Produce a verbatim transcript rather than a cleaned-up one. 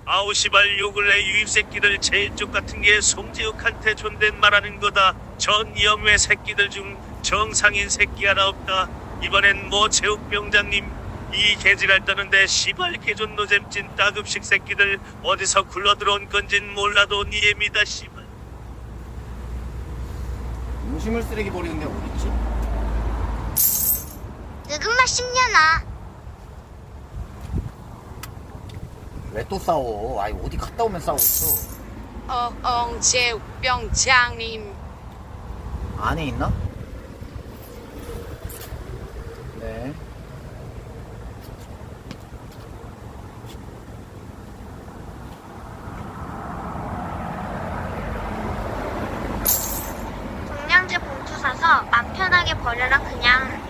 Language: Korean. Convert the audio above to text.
아우 시발 요 근래 유입 새끼들 제일 쪽 같은 게 송지욱한테 존댓말하는 거다. 전 염외 새끼들 중 정상인 새끼 하나 없다. 이번엔 뭐 제욱 병장님 이 개지랄 떠는데 시발 개존 노잼찐 따급식 새끼들 어디서 굴러들어온 건진 몰라도 니엠이다 시발. 음식물 쓰레기 버리는 데 어딨지? 늙은맛 십 년아. 왜 또 싸워? 아이 어디 갔다 오면 싸우고 있어. 어, 엉제욱 병장님. 안에 있나? 네. 종량제 봉투 사서 맘 편하게 버려라 그냥.